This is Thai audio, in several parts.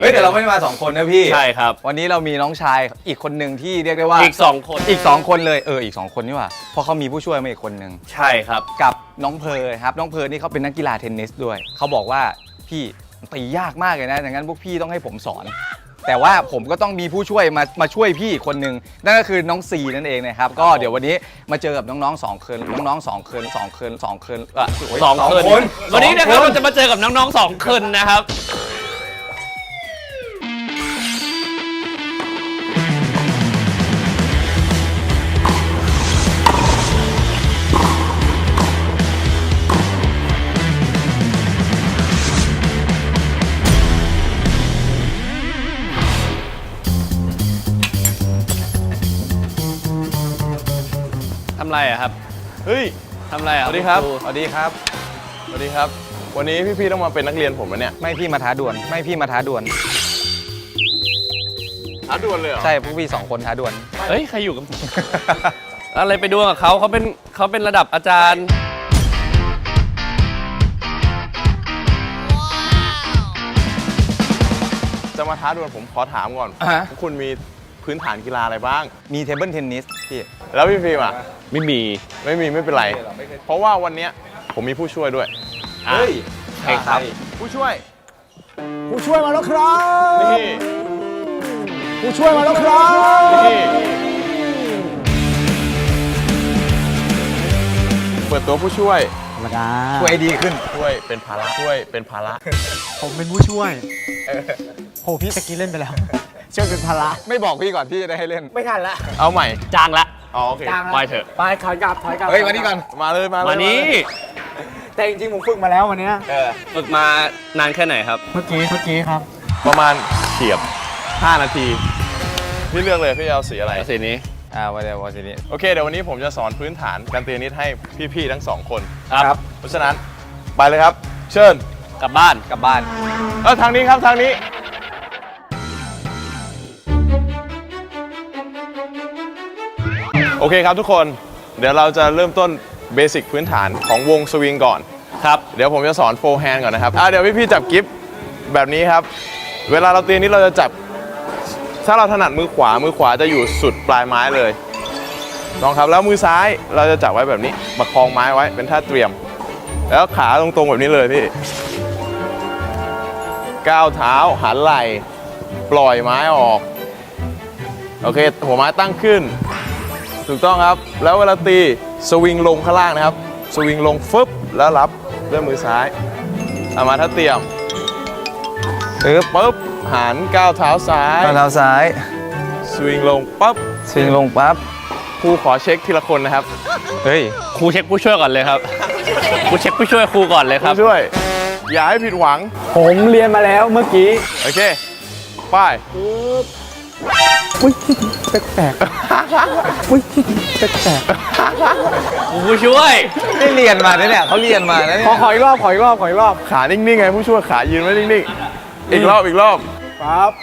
เฮ้ยแต่เราไม่ได้มา2คนนะพี่ใช่ครับวันนี้เรามีน้องชายอีกคนหนึ่งที่เรียกได้ว่าอีก2คนอีก2คนเลยอีก2คนนี่ว่าเพราะเขามีผู้ช่วยมาอีกคนหนึ่งใช่ครับกับน้องเพร์ลครับน้องเพร์ลนี่เขาเป็นนักกีฬาเทนนิสด้วยเขาบอกว่าพี่ตียากมากเลยนะดังนั้นพวกพี่ต้องให้ผมสอนแต่ว่าผมก็ต้องมีผู้ช่วยมาช่วยพี่อีกคนหนึ่งนั่นก็คือน้องซีนั่นเองนะครับก็เดี๋ยววันนี้มาเจอกับน้องๆ2คนน้องๆ2คน2คน2คน 2 คนวันนี้นะครับเราจะมาเจอกับน้องๆ2 คนนะครับทำไรอะครับเฮ้ยทำไรอะสวัสดีครับสวัสดีครับสวัสดีครับวันนี้พี่ๆต้องมาเป็นนักเรียนผมนะเนี่ยไม่พี่มาท้าดวลไม่พี่มาท้าดวลท้าดวลเลยเหรอใช่พวกพี่2คนท้าดวลเฮ้ยใครอยู่กับ อะไรไปดวลกับเขาเป็นระดับอาจารย์จะมาท้าดวลผมขอถามก่อนคุณมีพื้นฐานกีฬาอะไรบ้างมีเทเบิลเทนนิสพี่แล้วพี่ฟิล์มอ่ะไม่เป็นไรเพราะว่าวันนี้ผมมีผู้ช่วยด้วยเฮ้ยใครครับผู้ช่วยมาแล้วครับนี่ผู้ช่วยมาแล้วครับนี่เปิดตัวผู้ช่วยธรรมดาช่วยดีขึ้นช่วยเป็นภาระผมเป็นผู้ช่วยโหพี่ตะกี้เล่นไปแล้วช่วยเป็นภาระไม่บอกพี่ก่อนพี่จะได้ให้เล่นไม่ทันละเอาใหม่จ้างละโอเคไปเถอะไปถอยกลับเฮ้ยมานี่ก่อนมาเลยมานี่แต่จริงๆผมฝึกมาแล้ววันนี้ฝึกมานานแค่ไหนครับเมื่อกี้ครับประมาณเฉียบ5 นาทีพี่เลือกเลยพี่จะเอาสีอะไรสีนี้วันเดียววันนี้โอเคเดี๋ยววันนี้ผมจะสอนพื้นฐานการตีเทนนิสให้พี่ๆทั้ง2 คนครับเพราะฉะนั้นไปเลยครับเชิญกลับบ้านทางนี้ครับทางนี้โอเคครับทุกคนเดี๋ยวเราจะเริ่มต้นเบสิกพื้นฐานของวงสวิงก่อนครับเดี๋ยวผมจะสอนโฟร์แฮนด์ก่อนนะครับเดี๋ยวพี่ๆจับกิฟต์แบบนี้ครับเวลาเราตีนี้เราจะจับถ้าเราถนัดมือขวาจะอยู่สุดปลายไม้เลยลองครับแล้วมือซ้ายเราจะจับไว้แบบนี้ประคองไม้ไว้เป็นท่าเตรียมแล้วขาตรงๆแบบนี้เลยพี่ก้าวเท้าหันไหล่ปล่อยไม้ออกโอเคหัวไม้ตั้งขึ้นถูกต้องครับแล้วเวลาตีสวิงลงข้างล่างนะครับสวิงลงฟึบแล้วรับด้วยมือซ้ายเอามาท่าเตรียมปึ๊บหันก้าวเท้าซ้ายสวิงลงปั๊บครูขอเช็คทีละคนนะครับเฮ้ยครูเช็คผู้ช่วยก่อนเลยครับครูเช็คผู้ช่วยครูก่อนเลยครับผู้ช่วยอย่าให้ผิดหวังผมเรียนมาแล้วเมื่อกี้โอเคไปอุ้ยแปลกอุ้ยแปลกผู้ช่วยได้เรียนมาเนี่ยเขาเรียนมาแล้วขออีกรอบขานิ่งๆไงผู้ช่วยขายืนไว้นิ่งๆอีกรอบครับ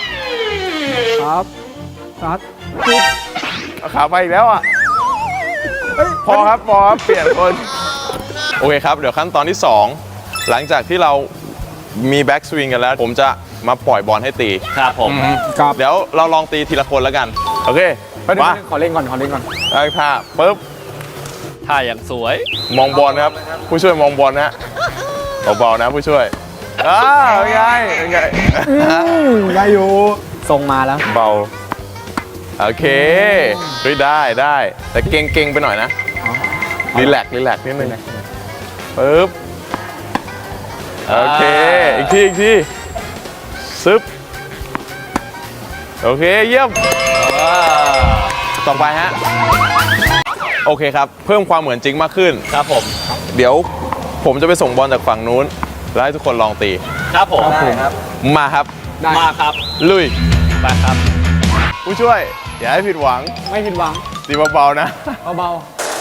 เอาขาไปอีกแล้วอ่ะพอครับเปลี่ยนคนโอเคครับเดี๋ยวขั้นตอนที่2หลังจากที่เรามีแบ็กสวิงกันแล้วผมจะมาปล่อยบอลให้ตีครับผมเดี๋ยวเราลองตีทีละคนแล้วกันโอเคมาขอเล่นก่อนได้ท่าปึ๊บท่าอย่างสวยมองบอลครับผู้ช่วยมองบอลนะเบาๆนะผู้ช่วยเป็นไงได้อยู่ทรงมาแล้วเบาโอเคได้แต่เก่งไปหน่อยนะรีแลกซ์นิดนึงปึ๊บโอเคอีกทีซึบโอเคเยี่ยมต่อไปฮะโอเคครับเพิ่มความเหมือนจริงมากขึ้นครับผมเดี๋ยวผมจะไปส่งบอลจากฝั่งนู้นแล้วให้ทุกคนลองตีครับผมมาครับลุยไปครับผู้ช่วยอย่าให้ผิดหวังไม่ผิดหวังตีเบาๆนะเบา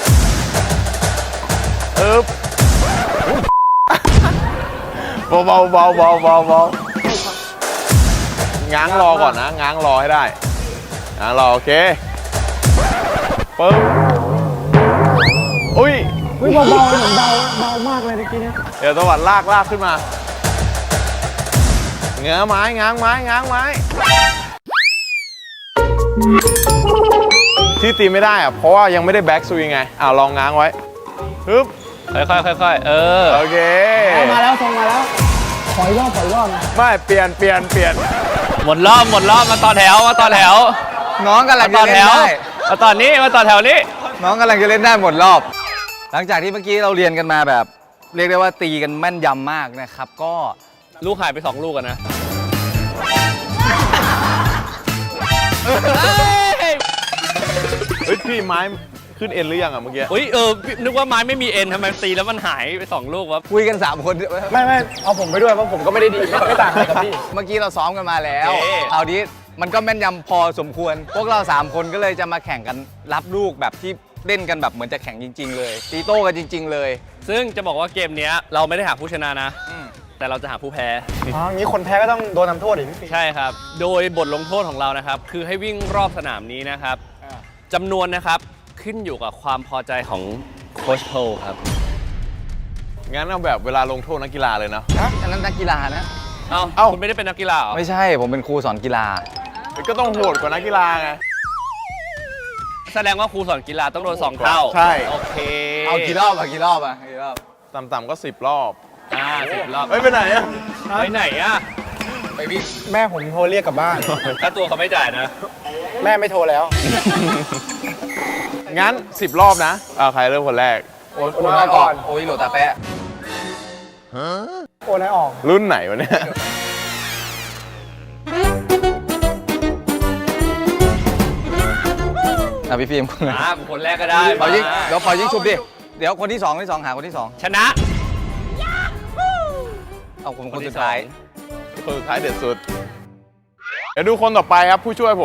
เบาง้างรอก่อนนะง้างรอให้ได้ง้างรอโอเคปึ๊บอุ้ยเบาเหมือนเบามากเลยเมื่อกี้เนี่ยเดี๋ยวตะวันลากขึ้นมาง้างไม้ง้างไม้ง้างไม้ที่ตีไม่ได้อะเพราะว่ายังไม่ได้แบ็กสวิงไงลองง้างไว้ฮึบค่อยๆค่อยๆโอเคมาแล้วทรงมาแล้วขออีกรอบนะไม่เปลี่ยนหมดรอบมาต่อแถวน้องกำลังต่จะอแถเล่นวได้มาต่อนี้มาต่อแถวนี้น้องกำลังจะเล่นได้หมดรอบ หลังจากที่เมื่อกี้เราเรียนกันมาแบบ เรียกได้ว่าตีกันแม่นยำมากนะครับ ก็ลูกหายไป2 ลูกอะนะเฮ้ยพี่ไม้ขึ้นเอ็นหรือยังอ่ะเมื่อกี้อุ้ยนึกว่าไม้ไม่มีเอ็นทำไมตีแล้วมันหายไป2 ลูกวะคุยกัน 3 คนไม่เอาผมไปด้วยเพราะผมก็ไม่ได้ดีไม่ต่างอะไรกับพี่เมื่อกี้เราซ้อมกันมาแล้วโอเคคราวนี้มันก็แม่นยำพอสมควร พวกเรา 3 คนก็เลยจะมาแข่งกันรับลูกแบบที่เล่นกันแบบเหมือนจะแข่งจริง ๆ เลย ตีโต้กันจริง ๆ เลยซึ่งจะบอกว่าเกมเนี้ยเราไม่ได้หาผู้ชนะนะ แต่เราจะหาผู้แพ้อ๋องี้คนแพ้ก็ต้องโดนทำโทษอีกพี่ใช่ครับ โดยบทลงโทษของเรานะครับ คือให้วิ่งรอบสนามนี้นะครับจำนวนนะครับขึ้นอยู่กับความพอใจของโค้ชโพลครับงั้นเอาแบบเวลาลงโทษนักกีฬาเลยนะอันนั้นนักกีฬานะเอ้าคุณไม่ได้เป็นนักกีฬาเหรอไม่ใช่ผมเป็นครูสอนกีฬาก็ต้องโหดกว่านักกีฬาไงแสดงว่าครูสอนกีฬาต้องโดน2 เท่าใช่โอเคเอากี่รอบกี่รอบกี่รอบต่ำๆก็10 รอบ 10 รอบเฮ้ยไปไหนอ่ะไปไหนอะไปวิ่งแม่ผมโทรเรียกกลับบ้านถ้าตัวเขาไม่จ่ายนะแม่ไม่โทรแล้วงั้น 10 รอบนะใครเริ่มคนแรกโอนมาก่อนโอ้ยโหลดตาแปะโอนให้ออกรุ่นไหนวะเนี่ยพี่ฟิล์มคนแรกก็ได้เป่ายิงมาเดี๋ยวเป่ายิงชุบดิ เดี๋ยวคนที่สองหาคนที่สองชนะเอาคนสุดท้ายคนสุดท้ายเด็ดสุด เดี๋ยวดูคนต่อไปครับผู้ช่วยผม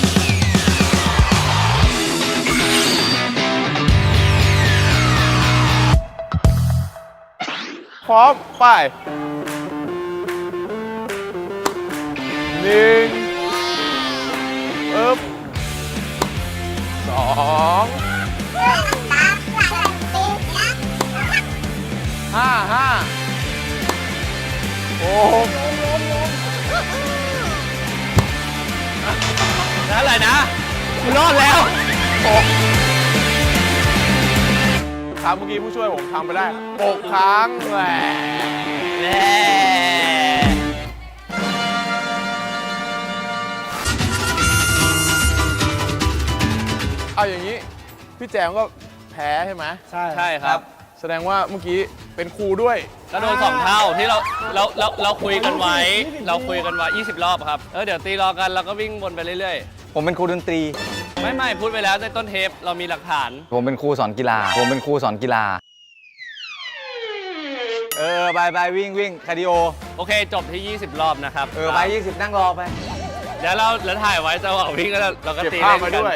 พร้อมไป12 5 6 นั่นแหละนะคุณรอดแล้วครับเมื่อกี้ผู้ช่วยผมทำไปได้6 ครั้งแหมแน่เอาอย่างนี้ พี่แจมก็แพ้ใช่ไหมใช่ใช่ครับแสดงว่าเมื่อกี้เป็นครูด้วยก็โดน2 เท่าที่เราคุยกันไว้ 20 รอบครับเดี๋ยวตีรอกันแล้วก็วิ่งวนไปเรื่อยผมเป็นครูดนตรีๆ ไม่พูดไปแล้วในต้นเทปเรามีหลักฐานผมเป็นครูสอนกีฬา ไปวิ่งคาร์ดิโอโอเคจบที่ 20 รอบนะครับไป20นั่งรอไปเดี๋ยวเราถ่ายไว้จังหวะวิ่งแล้วเราก็เก็บตีภาพเล่นมากันด้วย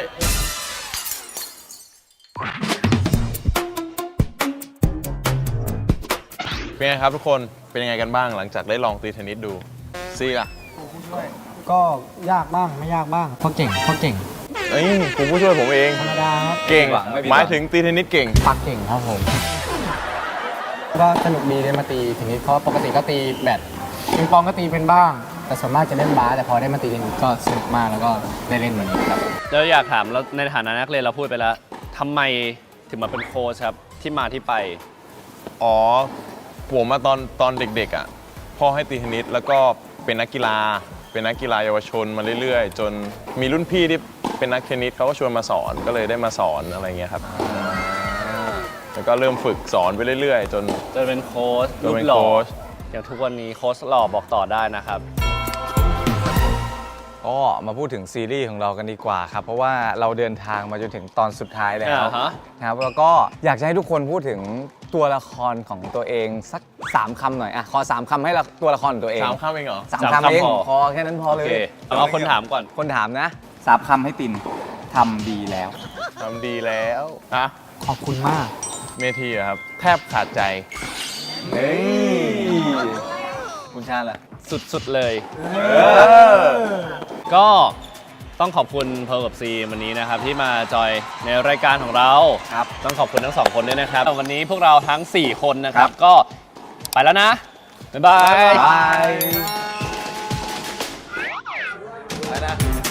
เป็นไงครับทุกคน เป็นยังไงกันบ้างหลังจากได้ลองตีเทนนิสดูซีล่ะก็ยากบ้างไม่ยากบ้างเพราะเก่งเอ้ยครูผู้ช่วยผมเองธรรมดาครับเก่งไม่ผิดหวังหมายถึงตีเทนนิสเก่งปักเก่งครับผม ก็สนุกดีได้มาตีเทนนิสเพราะปกติก็ตีแบดปิงปองก็ตีเป็นบ้าง แต่ส่วนมากจะเล่นบาสแต่พอได้มาตีเทนนิสก็สนุกมากแล้วก็ได้เล่นวันนี้ครับเราอยากถามแล้วในฐานะนักเรียนเราพูดไปแล้วทำไมถึงมาเป็นโค้ชครับที่มาที่ไปอ๋อ ผมมาตอนเด็กๆอ่ะพ่อให้ตีเทนนิสแล้วก็เป็นนักกีฬาเยาวชนมาเรื่อยๆ จนมีรุ่นพี่ที่เป็นนักเทนนิสเขาก็ชวนมาสอนก็เลยได้มาสอนอะไรเงี้ยครับแล้วก็เริ่มฝึกสอนไปเรื่อยๆ จนจะเป็นโค้ชจนรูเป็ปนหล่อโค้ชอย่างทุกวันนี้โค้ชหล่อบอกต่อได้นะครับก็มาพูดถึงซีรีส์ของเรากันดีกว่าครับ เพราะว่าเราเดินทางมาจนถึงตอนสุดท้ายแล้วอ่าฮะนะครับแล้วก็อยากจะให้ทุกคนพูดถึงตัวละครของตัวเองสัก3 คำหน่อยขอ3 คำให้ตัวละครของตัวเอง 3 คำเองเหรอ 3 คำเองพอแค่นั้นพอโอเลเคยเอาคนถามก่อนคนถามนะ3 คำให้ตินทำดีแล้วทำดีแล้วอะขอบคุณมากเมทีอะครับ แทบขาดใจคุณชาล่ะสุดๆเลย ก็ต้องขอบคุณเพร์ลกับซีวันนี้นะครับที่มาจอยในรายการของเราครับต้องขอบคุณทั้ง2 คนด้วยนะครับวันนี้พวกเราทั้ง 4 คนนะครับก็ไปแล้วนะ บ๊ายบายบายไปนะ